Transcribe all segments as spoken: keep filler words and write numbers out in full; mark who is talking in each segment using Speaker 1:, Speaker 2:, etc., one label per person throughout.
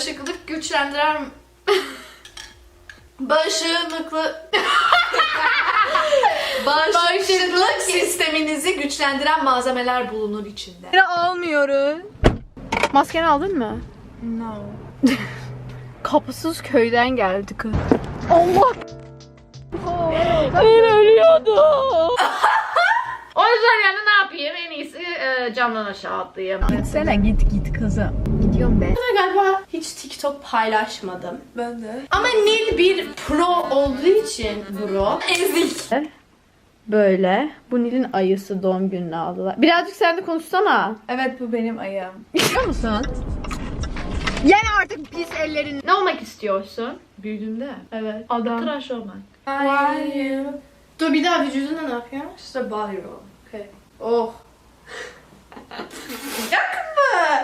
Speaker 1: Bağışıklık güçlendiren... Bağışıklıklı... Bağışıklık sisteminizi güçlendiren malzemeler bulunur içinde.
Speaker 2: Yine almıyoruz. Maskeni aldın mı?
Speaker 1: No.
Speaker 2: Kapısız köyden geldi kız. Allah! Ben ölüyordum.
Speaker 3: O yüzden yani ne yapayım? En iyisi e, camdan aşağı atlayayım.
Speaker 2: Gitsene git git kızım. Gidiyorum ben.
Speaker 1: Galiba hiç TikTok paylaşmadım. Ben de. Ama Nil bir pro olduğu için bro. Ezik.
Speaker 2: Böyle. Bu Nil'in ayısı, doğum gününü aldılar. Birazcık sen de konuşsana.
Speaker 1: Evet, bu benim ayım.
Speaker 2: Biliyor musun? Yani artık pis ellerin...
Speaker 3: Ne olmak istiyorsun?
Speaker 1: Büyüdüğümde.
Speaker 3: Evet.
Speaker 2: Adam.
Speaker 3: Tıraş olmak.
Speaker 1: Why you? Dur bir daha vücudunda ne yapıyor? İşte body roll. Okay. Oh. Yok mu?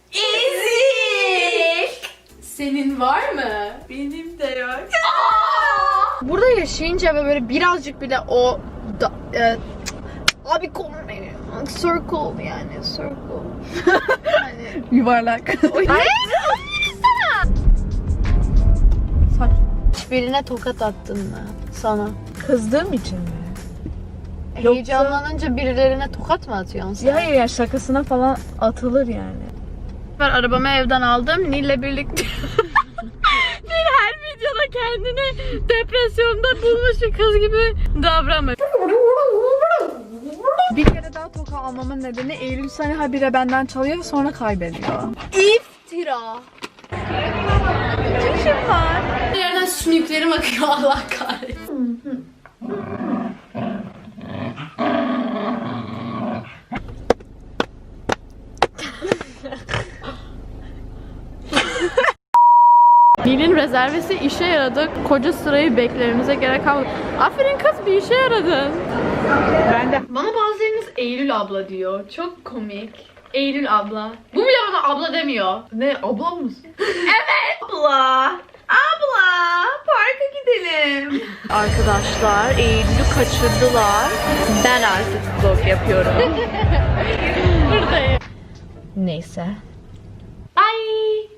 Speaker 1: Ezik. Senin var mı? Benim de yok.
Speaker 2: Burada yaşayınca ve böyle birazcık bile o... Da, e, abi konu beni. Circle yani. Circle. Yani, yuvarlak. Ne? Saç. Birine tokat attın mı? Sana.
Speaker 4: Kızdığım için mi?
Speaker 2: Heyecanlanınca birilerine tokat mı atıyorsun sen?
Speaker 4: Ya hayır ya, şakasına falan atılır yani.
Speaker 2: Ben arabamı evden aldım. Nil'le birlikte. Nil her videoda kendini depresyonda bulmuş bir kız gibi davranmıyor.
Speaker 4: Bir kere daha toka almamın nedeni Eylül seni habire benden çalıyor ve sonra kaybediyor.
Speaker 2: İftira.
Speaker 1: Bir yerden sümüklerim akıyor, Allah kahretsin.
Speaker 2: Nil'in rezervesi işe yaradı. Koca sırayı beklememize gerek kalmadı. Aferin kız, bir işe yaradın.
Speaker 4: Ben de.
Speaker 3: Bana bazılarınız Eylül abla diyor. Çok komik. Eylül abla. Bu bile bana abla demiyor. Ne, abla mısın? Evet. Abla. Abla. Parka gidelim.
Speaker 2: Arkadaşlar Eylül'ü kaçırdılar. Ben artık vlog yapıyorum. Buradayım. Neyse.
Speaker 3: Bye.